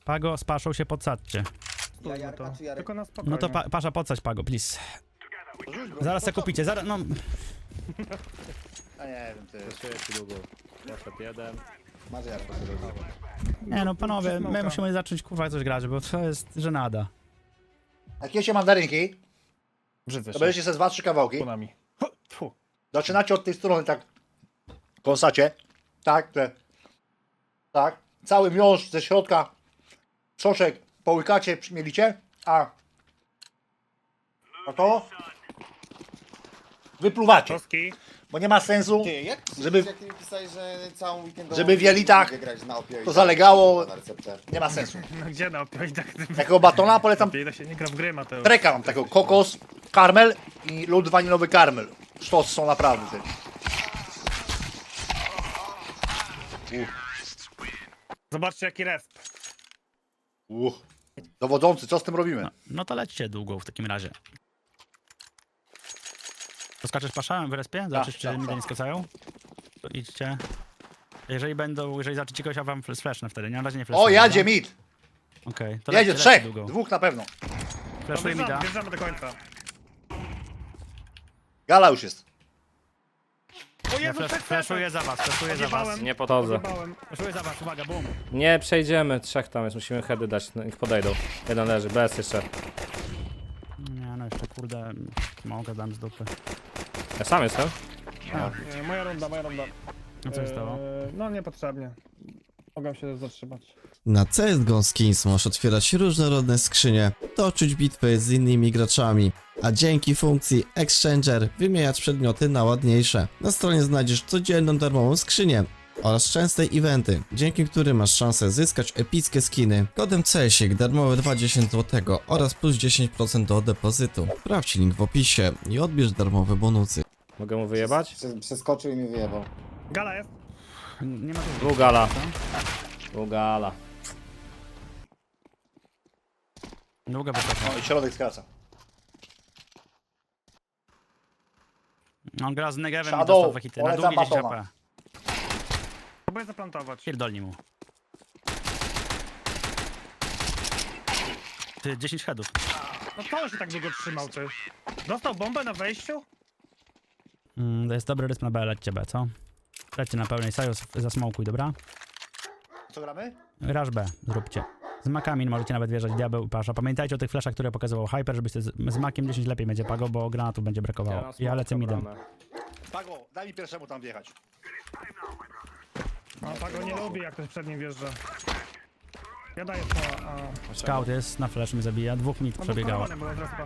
Pago z Paszą się podsadźcie. Ja Jarka czy Jarek? Tylko na spokojnie. No to Pasza podsadź Pago, please. Zaraz se kupicie, zaraz, no... A nie wiem, ty. Zaszyję ci długo. Poszedł jeden. Masz Jarka, co robi. Nie no panowie, my Smoka. musimy zacząć kurwa coś grać, bo to jest żenada. Jak jecie mandarynki, Brzydzę to się. będziecie ze 2-3 kawałki. Punami. Tfu. Zaczynacie od tej strony, tak. Kąsacie. Tak, te. Tak. Cały miąższ ze środka. Soczek połykacie, przymielicie. A to wypluwacie. Toski. Bo nie ma sensu, Ty, jak Żeby- jak ty mi pisałeś, że całą weekendową... Żeby w jelitach lubię grać na opioidach, to zalegało. na receptę. nie ma sensu. No gdzie na opioidach? Takiego batona polecam. Opioida się nie gra w gry, Mateusz. Treka mam takiego kokos, karmel i lód waniliowy karmel. Sztos są naprawdę ty. Zobaczcie jaki resp. Dowodzący, co z tym robimy? No to lećcie długo w takim razie. To skaczesz Pasza w respie? Zobaczysz, czy tak, mi tak. nie skacają? To idźcie. Jeżeli zaczniecie kogoś, a wam sflashnę wtedy, nie? Na razie nie flashnę. O, jadzie mid. Okej, to Jedzie lećcie trzech. długo. Dwóch na pewno. Flashuję mi da. Wjeżdżamy do końca. Gala już jest. O Ja Jezu, flashuję za was, flashuję za was. Odjebałem. Nie podchodzę. Flashuję za was, uwaga, boom. Nie przejdziemy, trzech tam jest, musimy heady dać, no, niech podejdą. Jeden leży, bez jeszcze. Nie no, jeszcze kurde, mogę dam z dupy. Ja sam jestem. Moja runda. No co się stało? No niepotrzebnie. Mogę się zatrzymać. Na CSGO Skins możesz otwierać różnorodne skrzynie, toczyć bitwy z innymi graczami, a dzięki funkcji Exchanger wymieniać przedmioty na ładniejsze. Na stronie znajdziesz codzienną darmową skrzynię oraz częste eventy, dzięki którym masz szansę zyskać epickie skiny. Kodem CSIK darmowe 20 zł oraz plus 10% do depozytu. Sprawdź link w opisie i odbierz darmowe bonusy. Mogę mu wyjebać? Przeskoczył i mi wyjebał. Gala jest. Nie ma tu... Dwóch gala. Dwóch gala. Długa wysoka. No i środek skraca. On gra z Negevem i Shadow, dostał dwa hity. Na polecam długie 10 batona. HP. Próbuję zaplantować. Pierdolni mu. Ty, 10 headów. No to on się tak długo trzymał, ty. Dostał bombę na wejściu? To jest dobry rytm na B, lećcie B, co? Lećcie na pełnej saju, zasmokuj, dobra? Co gramy? Rush B, zróbcie. Z makami możecie nawet wjeżdżać, diabeł i Pasza. Pamiętajcie o tych flashach, które pokazywał Hyper, żebyście z makiem 10 lepiej będzie Pago, bo granatu będzie brakowało. Ja lecę midem. Pago, daj mi pierwszemu tam wjechać. No tak go nie lubi, jak ktoś przed nim wjeżdża. Ja daję to, a... Scout jest, na flash mnie zabija, dwóch mid przebiegało. Było od respa.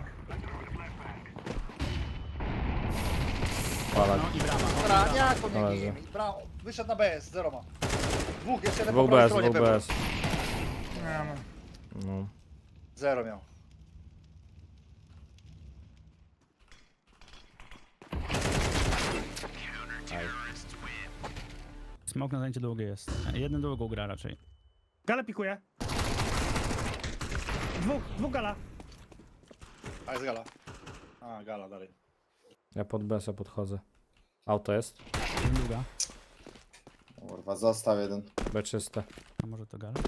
Palak. No i brawa. Dobra, jak to nie Należy. gije mi? Brawo, wyszedł na BS, zero ma. Dwóch, jeszcze jeden Dwóch po prawej bez, stronie dwóch pewno. bez. Nie no. No. Zero miał. Smok na zajęcie długie jest. Jeden długą gra raczej. Galę pikuje. Dwóch gala. A jest gala. A, gala dalej. Ja pod besa podchodzę. Auto jest. Jeden długa. Kurwa, został jeden. B czyste. A może to gala?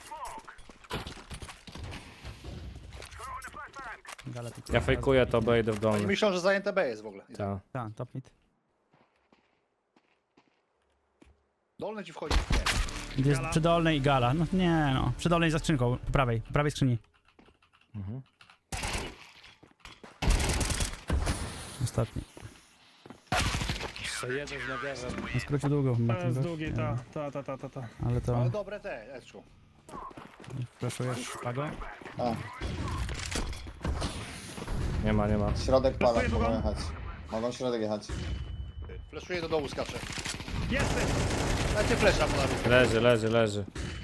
Gala tylko. Ja fejkuję to, B idę w Oni dolny. myślą, że zajęte B jest w ogóle. Tak. Tak, top mid. Dolny ci wchodzi. Nie. Jest Gala. przy dolnej i gala. No nie no. Przy dolnej za skrzynką. Po prawej skrzyni. Mhm. Ostatni. Jeszcze jeden z Negevem. Na skrócie długo. To jest długi, ta. Ale to Ale dobre te, Eczku. flashujesz Pago. A, Nie ma, nie ma. środek pada, Flashuję mogą drugą. jechać. Mogą środek jechać. Fleszuje do dołu, skacze. Jest! Dajcie flesza mu na ruch. Leży.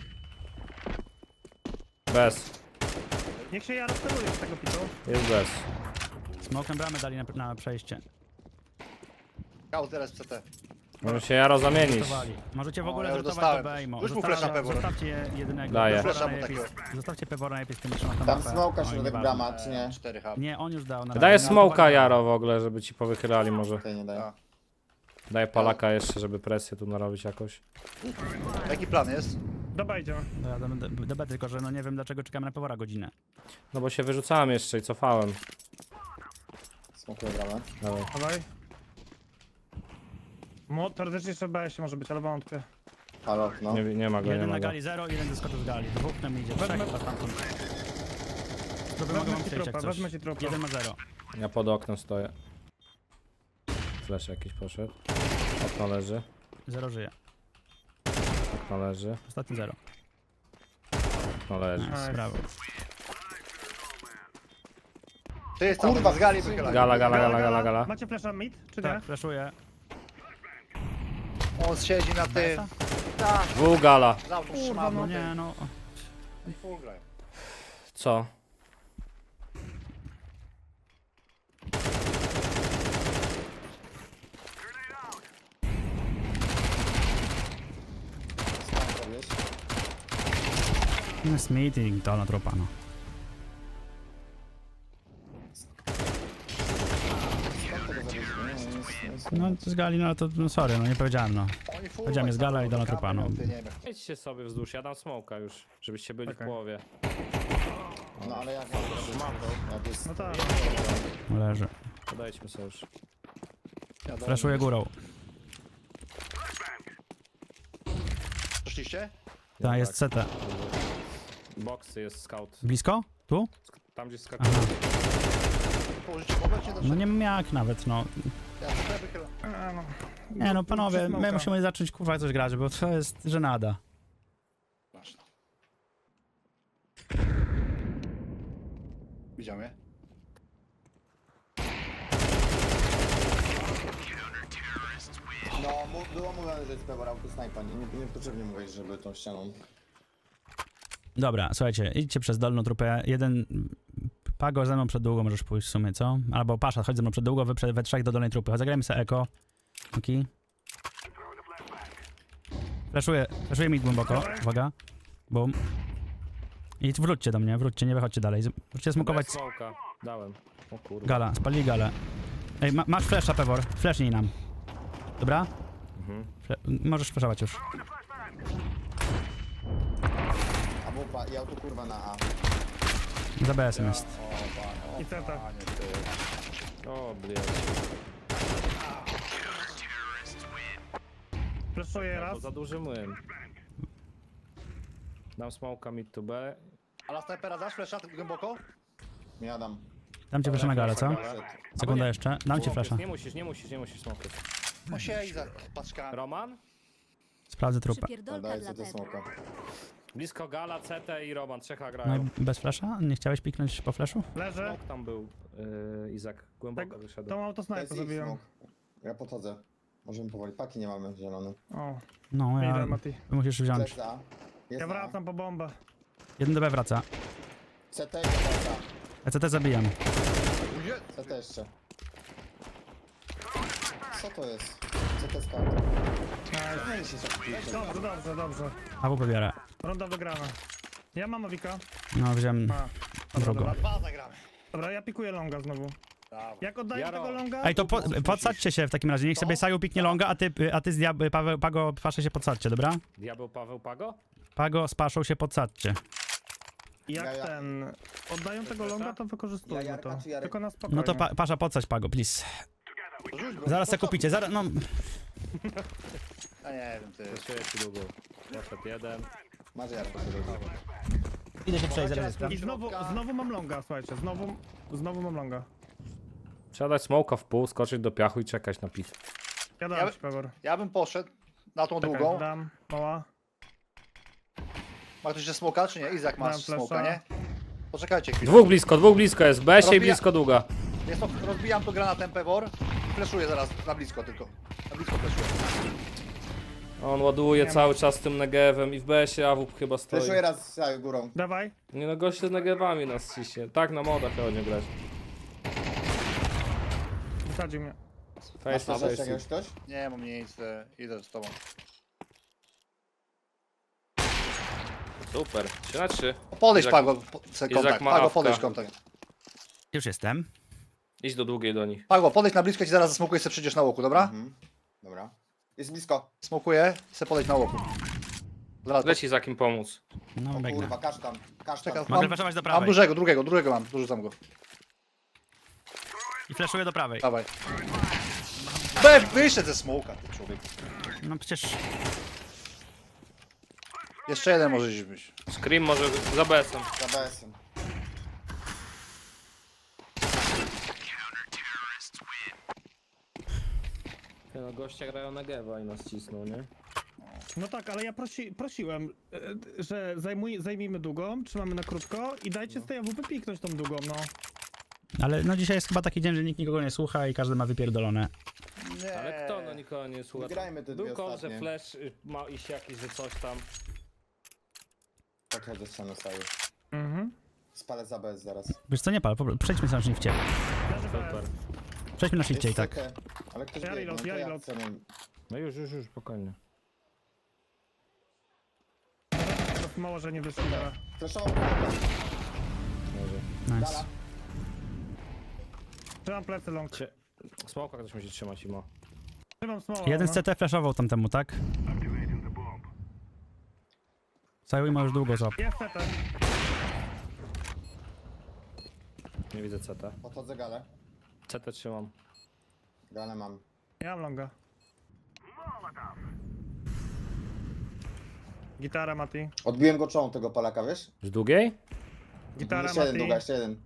Bez. Niech się ja rozsteruje z tego pitu. Jest bez. Smokem bramę dali na przejście. Kał teraz CT. Może się Jaro zamienić. Rotowali. Możecie w ogóle ja już zrotować do dostałem. Bejmo. Już mu flasha pewor. Zostawcie jedynego. Daję. Pewora Flasha mu najlepiej- takiego. Zostawcie Pewora najlepiej z tymi trzema Tam HP. smoka, Oj, środek nieważne. brama, czy nie? 4H. Nie, on już dał na Daję razie. smoka Jaro w ogóle, żeby ci powychylali może. Tutaj nie daje. A. Daję palaka jeszcze, żeby presję tu narobić jakoś. Jaki plan jest? Dobra, idziemy. No ja do B, tylko że no nie wiem dlaczego czekamy na Pewora godzinę. No bo się wyrzucałem jeszcze i cofałem. Smokuję bramę. Dawaj. Dawaj. Teoretycznie jeszcze BS może być, ale wątpię. Halo, no. Nie ma go, nie Jeden ma na go. gali 0, jeden zeskoczył z gali. Dwóch nam idzie, trzech chyba stamtąd. Trupy mogą Wezmę wam ci przejść jak trupa, coś. wezmę ci trupa. Jeden ma 0. Ja pod oknem stoję. Flash jakiś poszedł. Okno leży. 0 żyje. Okno leży. Ostatni 0. Okno leży. Nice, brawo. Ty jest tam, Kurwa, z gali wychylaj. Gala. Macie flasha mid, czy nie? Tak, flashuję. On siedzi na tym. BS-a? Tak, Dwóch gala. za auto trzymam. No nie, no. I full grają. Co? Skąd robisz? Jest meeting, to na trupa, no. Skąd tego zabić? No z gali, no to no, sorry, no nie powiedziałem, no. Oni full Powiedziałem, jest gala i do trupa, no. Ty nie wiem. Idźcie sobie wzdłuż, ja dam smoka już, żebyście byli w Okej. połowie. No ale jak mam to? Jak jest... No tak. Leży. Podejdźmy sobie już. Flashuję górą. Poszliście? Ta jest CT. Boxy jest scout. Blisko? Tu? Tam gdzie skakuje. Aha. Położycie wobec się do No nie wiem jak nawet, no. Ja sobie wychylam. A, no. Nie no panowie, my Smoka. musimy zacząć kurwa coś grać, bo to jest żenada. Masz to. Widział mnie? No, było mówione, że jest Pewor autosniper. Niepotrzebnie mówić, żeby tą ścianą... Dobra, słuchajcie, idźcie przez dolną trupę. Jeden... Pago ze mną przed długo możesz pójść w sumie, co? Albo Pasza, chodź ze mną przed długo, wy we trzech do dolnej trupy. Zagrajmy sobie eko. Okej. Flashuję mi głęboko, uwaga. Bum. I wróćcie do mnie, wróćcie, nie wychodźcie dalej. Możecie smokować Smoka. Dałem. O kurwa. gala, spalili galę. Ej, masz flasha, Pewor, flashnij nam. Dobra? Mhm. Możesz flashować już. A wupa, ja tu kurwa na A. Za BS-em jest. I CT. O, blядь. Flashuję To raz. za duży młyn. Dam smoka mid to B. A na snajpera dasz flesza głęboko? Nie dam. Dam ci flasha na galę, co? Przed. Sekunda jeszcze. Dam ci flasha. Nie musisz smoka. No siedzi za paczkami. Roman? Sprawdzę trupę. Przypierdolka Daję dla sobie Pepa. smoka. Blisko Gala, CT i Roman. Trzecha No grają. i bez flasha? Nie chciałeś piknąć po flashu? Leży. Smok tam był, Izak. Głęboko Tak, wyszedł. Tą To autosniper jest ich zabiłem. smok. Ja podchodzę. Możemy powoli. Paki nie mamy zielone. O, No, idę ja... Mati. Musisz wziąć. Flash A. Jest Ja A. wracam po bombę. Jeden do B wraca. CT i wraca. ECT zabijam. CT jeszcze. Co to jest? CT scout. Nice. Dobrze. AW pobierę. Runda wygrana. Ja mam Awika. No, wziąłem A, drugą. dobra. Dwa zagramy. Dobra, ja pikuję longa znowu. Brawo. Jak oddaję Jaro. tego longa? Ej, to podsadźcie się w takim razie. Niech sobie Saju piknie longa, a ty z Pago, Pasze się podsadźcie, dobra? Diabeł Paweł Pago? Pago z Paszą się podsadźcie. Jak Ja. ten... Oddają tego longa, to wykorzystujmy Ja, Jarka to. czy Jarek? Tylko na spokojnie. No to Pasza podsadź Pago, please. Rzuć go. Zaraz se kupicie, zaraz, no... A nie wiem, ty. Zaszyję ci długo. Poszedł jeden. Masz Jarka. Idę się przejść, zaraz I znowu mam longa, słuchajcie. Znowu mam longa. Trzeba dać smoka w pół, skoczyć do piachu i czekać na pit. Ja Ja dam by- ci Pewor. Ja bym poszedł na tą Czekaj, długą. dam. Mała. Ma ktoś jeszcze smoka, czy nie? Izak Dam masz flasha. smoka, nie? Poczekajcie chwilę. Dwóch blisko jest. B się i Rozbija- blisko długa. Jest to, rozbijam tu granatem Pewor. Fleszuję zaraz na blisko tylko. Na blisko fleszuję. On ładuje cały czas tym negewem i w B-sie AWP chyba stoi. Fleszuję raz za górą. Dawaj. Nie no, goście z negewami nas ciśnie. Tak na modach chodzi grać. Wysadził mnie. Masz Face to flash face. jakiegoś ktoś? Nie mam nic, idę z tobą. Super. 3-3. Podejdź Izak- Pago, Izak kontakt. ma Pago, awka. podejdź kontakt. Już jestem. Idź do długiej do nich. Pago, podejdź na blisko, ci zaraz zasmokuję, sobie przyjdziesz na łoku, dobra? Mhm. Dobra. Jest blisko. Smokuję, chcę podejść na łoku. Zaraz, Leci za kim pomóc. No, O biegnę. kurwa, kasztan. Kasztan. Czekam. Mogę flashować do mam prawej. drugiego mam, dorzucam go. I flashuję do prawej. Dawaj. Wyszedł ze smoka, ty człowiek. No przecież... Jeszcze jeden może gdzieś być. Scream może za BS-em. Za BS-em. No goście grają na Gewa i nas cisną, nie? No tak, ale ja prosiłem, że zajmijmy długą, trzymamy na krótko i dajcie z tej AWP piknąć tą długą, no. Ale no dzisiaj jest chyba taki dzień, że nikt nikogo nie słucha i każdy ma wypierdolone. Nie. Ale kto no nikogo nie słucha? Wygrajmy te dwie Był kąt, że ostatnie. flash ma iść jakiś, że coś tam. Podchodzę z ściany stały. Mhm. Spalę za BS zaraz. Wiesz co, nie pal, przejdźmy sobie na shifcie. Leży Super. BS. Przejdźmy na shifcie i Jest tak. CT, ale ktoś Ja biegnie, reload, to ja ja reload. chcę mu- No już, spokojnie. Mało, że nie wyszło. Dobra. Flashował. Może. Nice. Dala. Trzymam plecy long. Smoka ktoś musi trzymać imo. Trzymam smoła. Jeden z no. CT flashował tamtemu, tak? Zajął ma już długo złap. Jest CT. Nie widzę CT. Podchodzę galę. CT trzymam. Galę mam. Ja mam longa. Gitara Mati. Odbiłem go czołą tego Polaka, wiesz? Z długiej? Gitara Jeszcze jeden, Mati. długa, jeszcze jeden.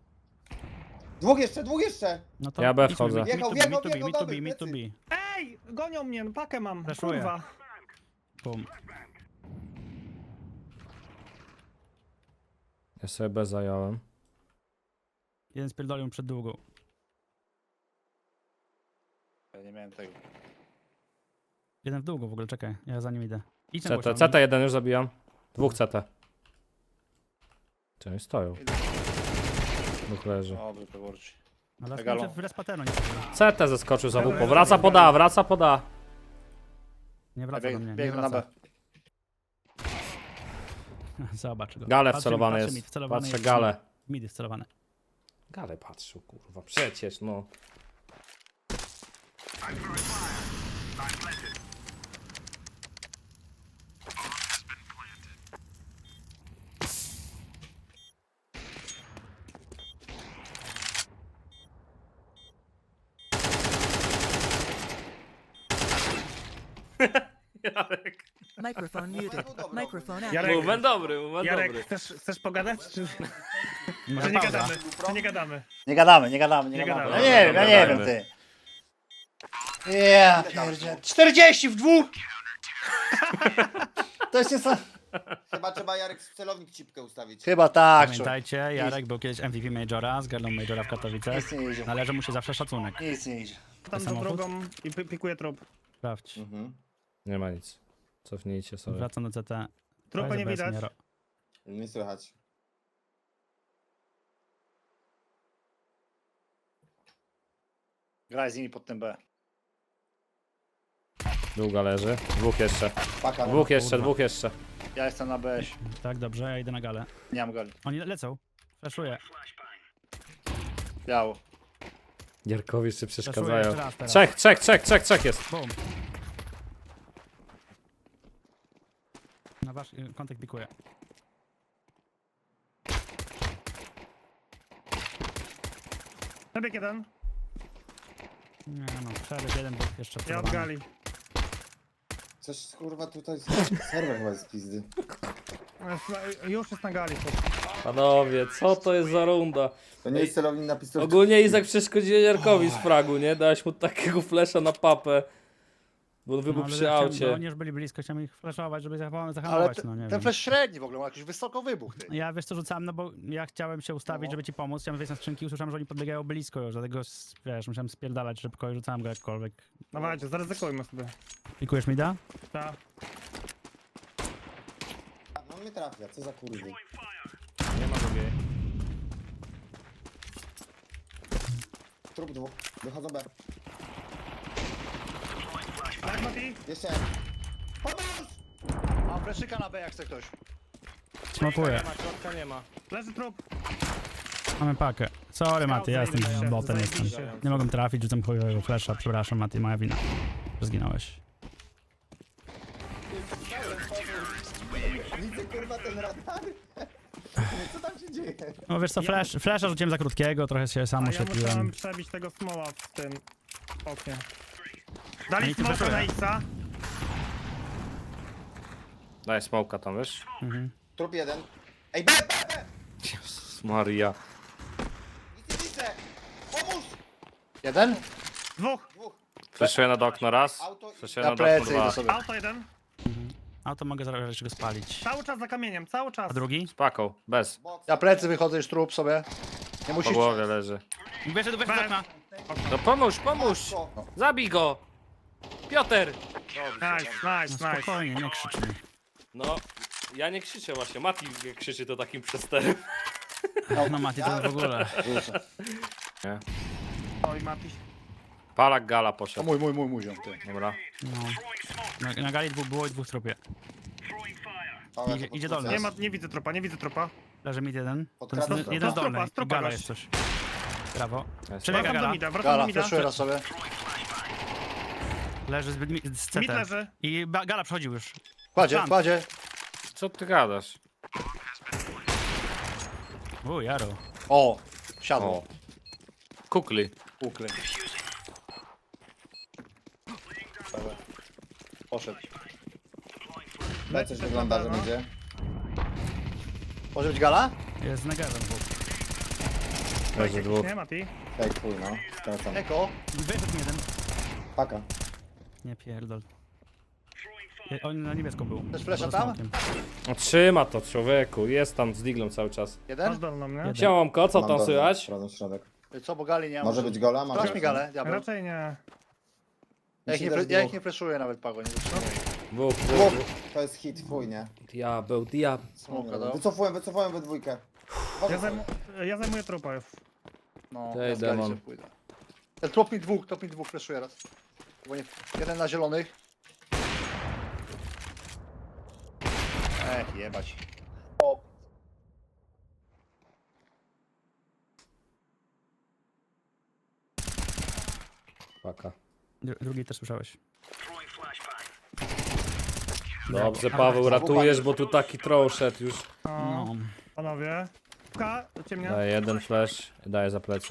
Dwóch jeszcze! No to Ja B idźmy, wchodzę. me to Wjechał, B, wjechał, me to B, wjechał, me to dobry, B, me to B. plecy. Ej! Gonią mnie, no pakę mam. Flashuję. Kurwa. Bum. Ja sobie B zająłem. Jeden spierdolił przed długą. Ja nie miałem tego. Jeden w długo w ogóle, czekaj, ja za nim idę. Idź na CT, głośno. CT jeden już zabijam. Dwóch CT. Czy oni stoją? Dwóch leży. Dobry, peworci. Ale Megalo. w respatero nie wchodzi. CT zeskoczył za WP. Wraca poda, wraca poda. Nie wraca do mnie, nie Biegnę na B. wraca. Zobacz go. Gale Patrzy- wcelowany patrzy jest. mid, wcelowany Patrzę jest. gale. Midy wcelowane. Gale patrzył, kurwa. Przecież no. Microphone muted. Microphone Jarek, activated. Moment dobry, moment Jarek, dobry. chcesz pogadać? Czy Może nie pauza. gadamy? Czy nie gadamy? Nie gadamy. Nie Ja gadamy. nie wiem, Gadajmy. ty. Ja pierdzie. 40 w dwóch! To jest niesamowite. Chyba trzeba Jarek celownik cipkę ustawić. Chyba tak, człowiek. Pamiętajcie, Jarek był kiedyś MVP Majora, zgarnął Majora w Katowicach. Nic nie idzie. Należy mu się zawsze szacunek. Nic nie idzie. Tam do samochód? drugą i pikuję trup. Sprawdź. Mhm. Nie ma nic. Cofnijcie sobie. Wracam do CT. Trupy nie Bez widać. Miero. Nie słychać. Graj z nimi pod tym B. Długa leży. Dwóch jeszcze. Paka. Dwóch jeszcze, kurwa. dwóch jeszcze. Ja jestem na B. Tak, dobrze, ja idę na galę. Nie mam gali. Oni lecą. Flashuję. Biało. Gierkowi jeszcze Flashuję przeszkadzają. jeszcze raz teraz. Trzech jest. Boom. Na wasz kontakt pikuje. Przebieg jeden. Nie no, przebieg jeden był jeszcze Ja od próbowany. gali. Coś kurwa tutaj... Serwer chyba jest z pizdy. Już jest na gali. Panowie, co to jest za runda? To nie jest celownik na pistolet. Ogólnie Izak przeszkodził Jarkowi z fragu, nie? Dałeś mu takiego flesza na papę. Bo on wybuchł ale przy chciałem- aucie. Oni już byli blisko, chciałem ich flashować, żeby Ale zahamować, no nie ten wiem. flash średni w ogóle, ma jakiś wysoko wybuch. Ty. Ja wiesz co rzucałem, no bo ja chciałem się ustawić, żeby ci pomóc, chciałem wejść na skrzynki, usłyszałem, że oni podbiegają blisko już, dlatego wiesz, musiałem spierdalać szybko i rzucałem go jakkolwiek. Dawajcie, zaryzykujmy sobie. Pikujesz mi da? Ta. No mnie trafia, co za kurwy. Nie ma drugiej. Trup dwóch. Wychodzą B. Tak, Mati? Jeszcze. Mam fleszyka na B jak chce ktoś. Smokuję. Środka nie ma. Leży trup. Mamy pakę. Sorry Mati, ja jestem zajebiście, botem, zajebiście. jestem. Nie mogłem trafić, rzucam chujowego flasha, przepraszam Mati, moja wina. Że zginąłeś. kurwa ten radar? Co tam się dzieje? No wiesz co, flasha rzuciłem za krótkiego, trochę się sam A ja oświetliłem. musiałem przebić tego smoła w tym oknie. Dali Oni tu smoka weszły. na X-a. Daj smoka tam, wiesz? Trup jeden. Ej, B! Jezus Maria. Nic nie widzę! Pomóż! Jeden? Dwóch. Fleszuję nad okno raz. Auto i- Fleszuję Na nad okno plecy dwa. idę sobie. Auto jeden. A to mogę zaraz go spalić. Cały czas za kamieniem, cały czas. A drugi? Z paką, bez. Box. Ja plecy wychodzę już trup sobie. Nie Po musisz. głowie leży. Wiesz, do okna. No pomóż, pomóż! Matko. Zabij go! Piotr! Nice, No nice, nice. spokojnie, nie krzycz mi. No, ja nie krzyczę właśnie. Mati krzyczy to takim przesterem. No Mati, to w ogóle. Nie. Oj, Mati. Palak gala To poszedł. mój ziom, ty. Dobra. No. Na gali było i dwóch trupie. Pałę Idzie- to idzie podkrócę. dolny. Nie widzę trupa, nie widzę trupa. Leży mid jeden. Podkradł Ten trupa. jeden z Trupa, dolnej. trupa Gala gość. jest coś. Brawo. Jest. Przebiega Wracam do gala. mida, wracam do Gala, mida. fleszuję raz sobie. Leży z CT. Mid leży. I gala przechodził już. Kładzie, Plant. kładzie. Co ty gadasz? Jaro. O, siadło. O. Kukli. Ukry. Dobra. Poszedł. B coś wygląda, że będzie. Może być gala? Jest z negerem dwóch. Leży dwóch. Nie, Mati. Ej, chuj, no. Skracam. Eko. Wyszedł mi jeden. Paka. Nie pierdol. On na niebiesko był. Też flesza Poza tam? smokiem. No, trzyma to człowieku. Jest tam z diglą cały czas. Jeden? Masz dolną, nie? Siałamko, co Mam tam dolny, słychać? sprawdzam środek. Co, bo gali nie ma. Może być gola? Sprawdź mi galę, diabeł. Raczej nie. Ja ich nie fleszuję nawet, Pago, nie zatrzymuję. Dwóch, Dwóch. dwóch. To jest hit, fuj, nie? Diabeł, diabeł. Smoka dał. Wycofuję we dwójkę. Ja zajmuję trupa już. No, Ej, ja z gali demon. sobie pójdę. Ten top mi dwóch fleszuje raz. Bo nie, jeden na zielonych. Jebać. Paka. Drugi też słyszałeś. Dobrze, Paweł, ratujesz, bo tu taki troll szedł już. No, No. panowie. Ciemnia. Daję jeden flash, daję za plecy.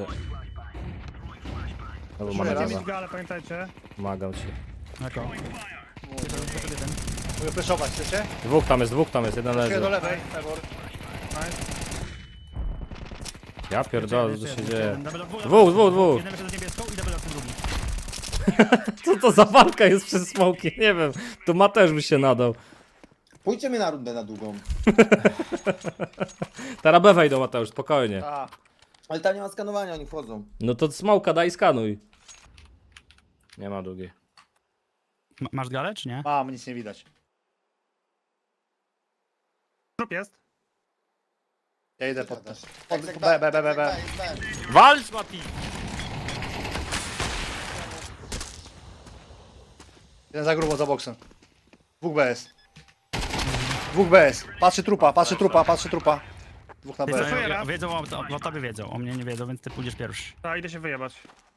No bo ma Proszę na raz. Mieć gala. galę, pamiętajcie. Pomagam ci. Jako. Mogę fleszować, chcecie? Dwóch tam jest, jeden Fleszuję do leży. lewej, Pewor. Ja pierdolę, co tu się dzieje. Dwóch. Dwóch. Jeden wyszedł z niebieską i double ten drugi. Co to za walka jest przez smoki? Nie wiem. Tu Mateusz by się nadał. Pójdźcie na rundę na długą. Teraz B wejdą, Mateusz, spokojnie. A, Ale tam nie ma skanowania, oni wchodzą. No to smoka daj, skanuj. Nie ma długiej. Masz galę, czy nie? mam, nic nie widać. Trup jest. Ja idę pod ten. Exec B. jest B. Walcz, Mati! Jeden za grubo, za boksem. Dwóch BS. Dwóch BS. Patrzy trupa. Dwóch na Ty, B. Flashuję raz. wiedzą o tobie wiedzą, o mnie nie wiedzą, więc ty pójdziesz pierwszy. Tak, idę się wyjebać.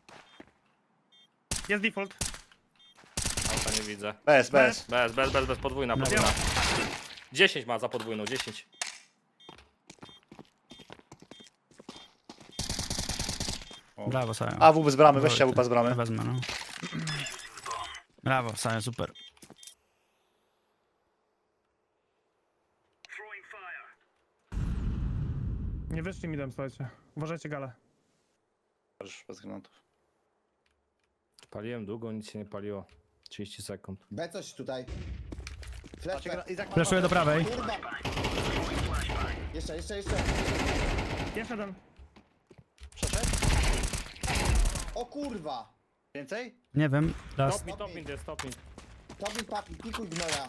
Jest default. Auta nie widzę. BS. Bez, podwójna. 10 ma za podwójną, 10. Brawo, Saja. AW bez bramy, weźcie AW bez bramy. Wezmę, no. Brawo, Saja, super. Nie wyszli mi dam, słuchajcie. Uważajcie galę. Bez granatów. Paliłem długo, nic się nie paliło. 30 sekund. B coś tutaj. Flash, B. Fleszuję do prawej. Kurwa. Jeszcze. Jeszcze jeden. Przeszedł? O kurwa. Więcej? Nie wiem, raz. Top mid. Tobie papi, pikuj gnoja.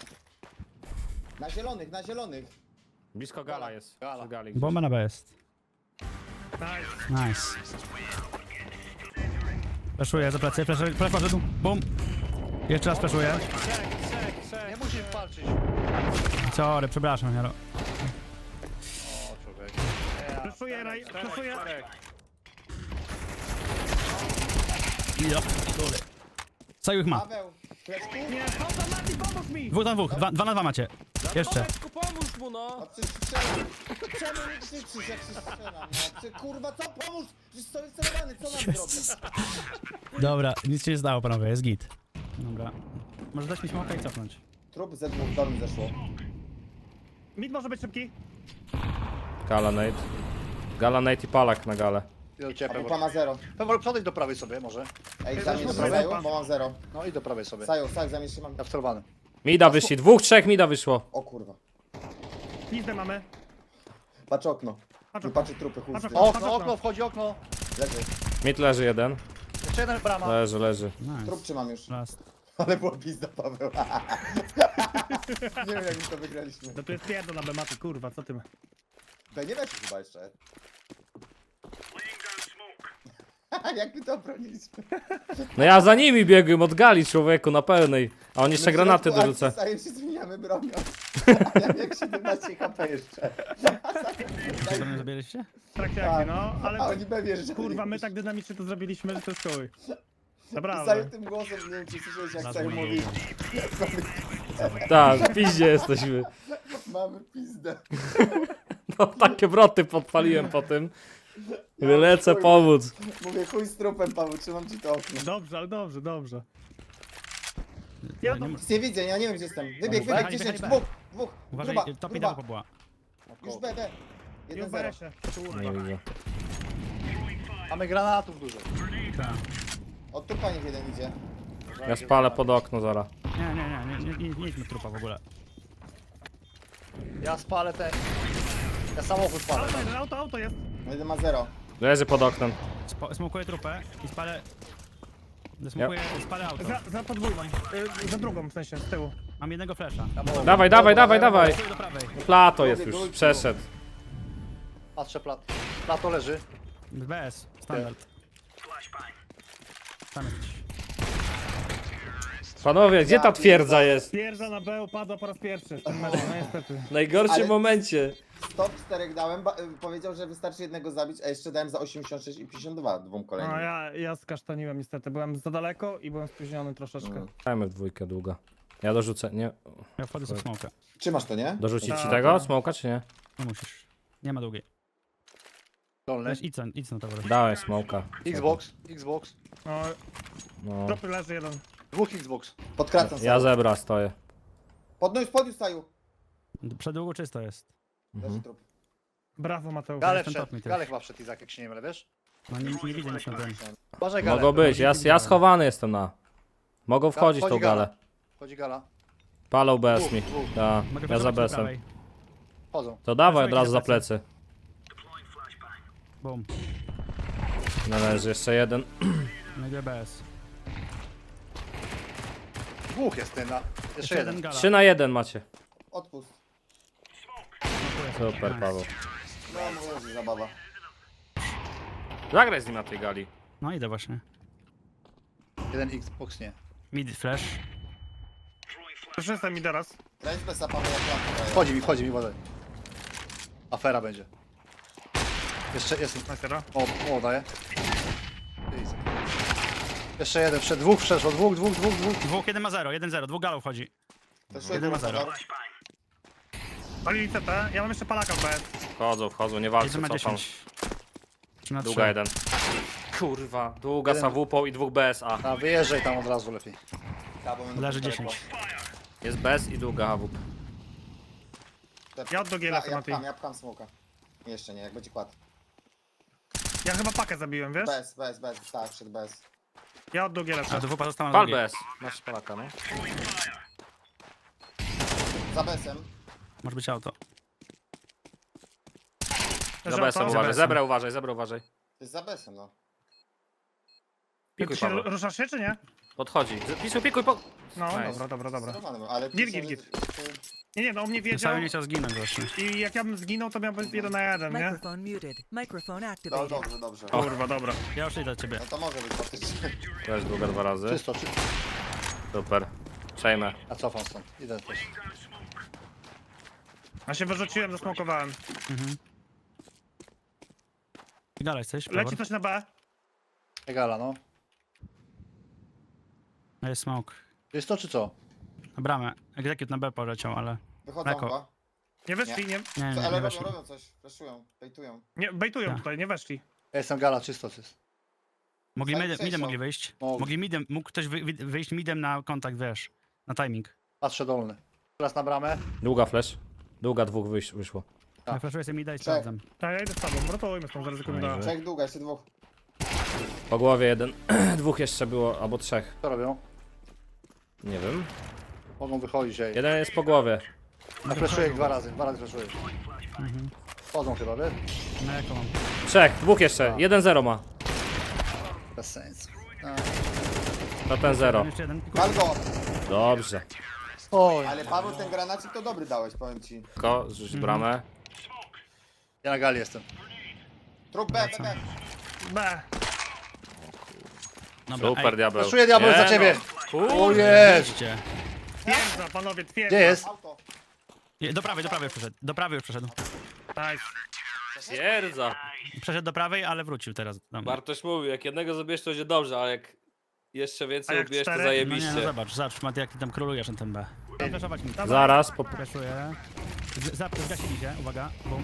Na zielonych. Blisko gala jest. Gala. Przy gali. Bomba na B jest. Nice. Nice. Fleszuję za plecy, flash poszedł. Bum. Jeszcze raz flaszuję. Nie musisz walczyć. Sorry, przepraszam, Jaro. O, człowiek. Flashuję, Raj. Flashuję. Co ich ma? Paweł, fleszku. Nie, Mati, pomóż mi! Dwóch na dwóch, 2 na 2 macie. Jeszcze. Tomeczku, pomóż mu, no! A przecież strzelam. Czemu nie krzyczysz jak się strzelam? No przecież kurwa, co pomóż? Przecież stoję celowany, co mam zrobić? Dobra, nic się nie stało, panowie, jest git. Dobra. Może dać mi smoka i cofnąć. Trup ze dwóch do mnie zeszło. Mid może być szybki. Gala Nate. Gala Nate i Palak na galę. I do ciebie, Albo Pewor. ma 0. Pewor, przodejdź do prawej sobie może. Ej, zamień Dobra, Saju, dobra. bo mam 0. No i do prawej sobie. Saju, zamień się mam. Ja wcelowany. Mida wyszli, dwóch, trzech mida wyszło. O kurwa. Pizdę mamy. Patrz okno. Patrz Tu okno. patrzy trupy, chusty. Patrz Okno, okno, wchodzi okno. Leży. Mid leży jeden. Jeszcze jeden brama. Leży. Nice. Trup trzymam już. Last. Ale była pizda, Paweł. Nie wiem jak my to wygraliśmy. No tu jest pierdol na bematy, kurwa, co ty ma? B nie weszło chyba jeszcze. Jak my to obroniliśmy? No ja za nimi biegłem od gali, człowieku, na pełnej. A on jeszcze granaty dorzuca. Stajem się zmieniamy bronią. A ja jak 17 HP jeszcze. Dobra, zabieraliście? W trakcie Tak. akcji, no, A ale oni B wjeżdżali. kurwa, my tak dynamicznie to zrobiliśmy, że to jest chuj. Saju Naprawdę. tym głosem, nie wiem czy słyszałeś jak Nas Saju mówi. mówi. Tak, w piździe jesteśmy. Mamy pizdę. No takie wroty podpaliłem po tym. Lecę pomóc. Mówię chuj z trupem, Paweł, trzymam ci to okno. Dobrze, ale dobrze, dobrze. Ja Ja nie, Nic nie widzę, ja nie wiem gdzie jestem. Wybieg, Wychaj, 10, wychaj, dwóch. uważaj, Gruba, top i gruba. down była. Już B, B. I w 1-0. BS-ie. Nie widzę. Mamy granatów dużo. Tak. Od trupa niech jeden idzie. Ja spalę pod okno zaraz. Nie idźmy trupa w ogóle. Ja spalę te... Ja samochód spalę. Auto jest. Jeden ma 0. Leży pod oknem. Smokuję trupę i spalę... Spalę auto. Za podwójną. Za drugą w sensie, z tyłu. Mam jednego flasha. Dawaj. Smokuję do prawej. Plato jest już, przeszedł. Patrzę plato leży. BS, standard. Tam jesteś. Panowie, gdzie ta twierdza jest? Pierza na B upadła po raz pierwszy w tym meczu, no niestety. W najgorszym Ale- momencie. Stop 4 dałem, powiedział, że wystarczy jednego zabić, a jeszcze dałem za 86 i 52 dwóm kolejnym. No ja skasztaniłem niestety, byłem za daleko i byłem spóźniony troszeczkę. Dajmy w dwójkę długo. Ja dorzucę, nie. Ja wchodzę sobie w smoka. Trzymasz to, nie? Dorzucić ci Tak, tego? tak. Smoka czy nie? Nie musisz. Nie ma długiej. Dolny. Weź idź na to wreszcie. Dałem smoka. Xbox. No, No. tropy leży jeden. Dwóch Xbox. Podkracam Ja sobie. zebra stoję. Podniósł Saju. Przed długo czysto jest. Leży trup. Brawo Mateusz. Gale jestem top wszedł. mi też. Gale chyba wszedł Izak, jak się nie mylę, wiesz? No nie widzę nic na tym. Uważaj Gale. Mogą być, ja schowany jestem na. Mogą wchodzić Wchodzi tą galę. Wchodzi Gala. Palą bez mi. Dwóch. Ta, Mogę ja za przesunąć do besem. prawej. Chodzą. To dawaj od Przesuń razu się za plecy. Boom. Należy jeszcze jeden. No i BS. Dwóch jest ten na... Jeszcze jeden. gala. 3 na 1 macie. Odpust. Super, Nice. Paweł. No mówię, że zabawa. Zagraj z nim na tej gali. No idę właśnie. Jeden Xbox nie. Mid flash. Już jestem mi teraz. Grać bez Paweł jak lampa. Wchodzi mi, uważaj. Afera będzie. Jeszcze jest. Makera. O, daję. Jezu. Jeszcze jeden, dwóch przeszło, dwóch. Dwóch, jeden ma 0, 1-0, dwóch galów chodzi. To szło Jeden ma zero. Palili CT, ja mam jeszcze palaka w BS. Wchodzą, nie walczą, Jeden ma cofam. 10. 3 na 3. Długa jeden. Kurwa, długa z AWP i dwóch BSA. A wyjeżdżaj tam od razu lepiej. Leży 10. Jest BS i długa AWP. Ja od Dogiela Ja chcę, Mati. pcham smoka. Jeszcze nie, jak będzie kładł. Ja chyba pakę zabiłem, wiesz? Bez, tak, przed bez. Ja od Dogiela A chcę. dwóch pozostała na Pal drugiej. BS. Masz palaka, no. Za besem. Może być auto. Za BS-em uważaj, zebra uważaj. To jest za besem, no. Pikuj, Ty się Paweł. ruszasz się, czy nie? Podchodzi. Pikuj, No, Nice. dobra. Zerowany, ale Git, pisałem, git. że- Nie, no on mnie wiedział Cały nie chciał zginąć właśnie. i jak ja bym zginął, to miałbym 1 na 1, nie? Microphone muted. Microphone No activated. dobrze. Kurwa, dobra. Ja już idę do ciebie. No to może być faktycznie. Też długa 2 razy. Czysto. Super. Przejmę. A cofam stąd. Idę też. A się wyrzuciłem, zasmokowałem. Gala jesteś? Leci coś na B. Egala, no. Jest smoke. Jest to czy co? Na bramę. Execute na B poleciał, ale... Wychodzą Eko. chyba. Nie weszli, nie, Nie, Co, nie, ale nie robią, weszli. robią coś. Flashują, bejtują. nie bejtują Tak. tutaj, nie weszli. Ja jestem gala, czysto jest. Mogli Side midem przejścią. mogli wyjść. Mogli. Mógł ktoś wyjść midem na kontakt, wiesz, na timing. Patrzę dolny. Teraz na bramę. Długa flash. Długa dwóch wyszło. Tak. Ja flashuję sobie mida i Check. sprawdzam. Tak, ja idę z tobą, rotujmy stąd, zaryzykujmy Dobrze. da. Trzech długa, jeszcze dwóch. Po głowie jeden. Dwóch jeszcze było, albo trzech. Co robią? Nie wiem. Mogą wychodzić, ej. Jeden jest po głowie. Ja flashuję ich dwa razy flashuję. Wchodzą chyba, wiesz? No jaką mam? Trzech, dwóch jeszcze. 1-0 ma. Bez sensu. To ten 0. Jeszcze jeden. Pal go! Dobrze. Oj. Ale Paweł, ten granacik to dobry dałeś, powiem ci. Tylko zrzuć bramę. Ja na gali jestem. Trup B, B, B. B. Dobra, Super diabeł. Flashuję diabeł Nie za ciebie. no. O jest. Oczywiście. Twierdza, panowie, twierdza. Gdzie jest? Auto. Do prawej już przeszedł. Do prawej już przeszedł. Nice. Twierdza. Przeszedł do prawej, ale wrócił teraz. Tam. Bartoś mówił, jak jednego zabierz, to będzie dobrze, ale jak jeszcze A więcej jak ubierz, to cztery? No nie, no zajebiście. zobacz, Maty, jak ty tam królujesz na tym B. Tam flashować mi. Zaraz po... Flashuję. Zgasili się, uwaga. Bum.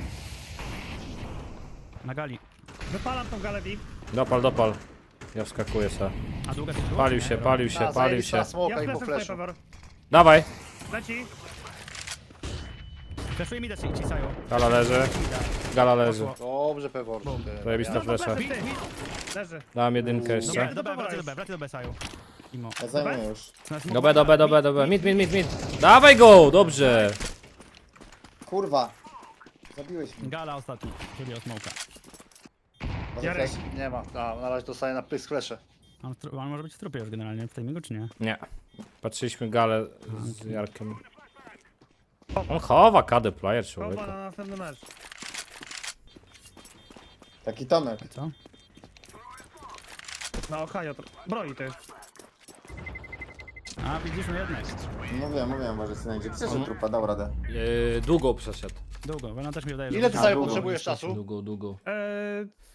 Na gali. Wypalam tą galę VIP. Dopal. Ja wskakuję se. A długa się Palił się, palił się. Ja Smoka i po fleszem stoję, flashu. Pewor. Dawaj. Leci. Flashuję mi ci sają. Gala leży. Gala leży. Dobrze, Pewor. Zajebista flesza. Leży, ty. Leży. Dałem jedynkę jeszcze. Dobra, wracaj do B, sają. Imo. Ja zajmuję już. Do B. Mid. Dawaj go! Dobrze. Kurwa. Zabiłeś mnie. Gala ostatni, czyli o smoka. Może Jarek. flash? Nie ma. Na razie dostaję na pysk flesze. On może być w trupie już generalnie w timingu, czy nie? Nie. Patrzyliśmy galę z Jarkiem. On chowa KD player, człowieku. Koba na następny mecz. Taki Tomek. Co? Na Ohio. Broi ty. A, widzisz, no jednak. Mówiłem, może znajdzie. Przecież trupa dał radę. Długo przeszedł. Długo, bo ona też mi wydaje, że... Ile ty A, sobie długo. potrzebujesz czasu? Długo.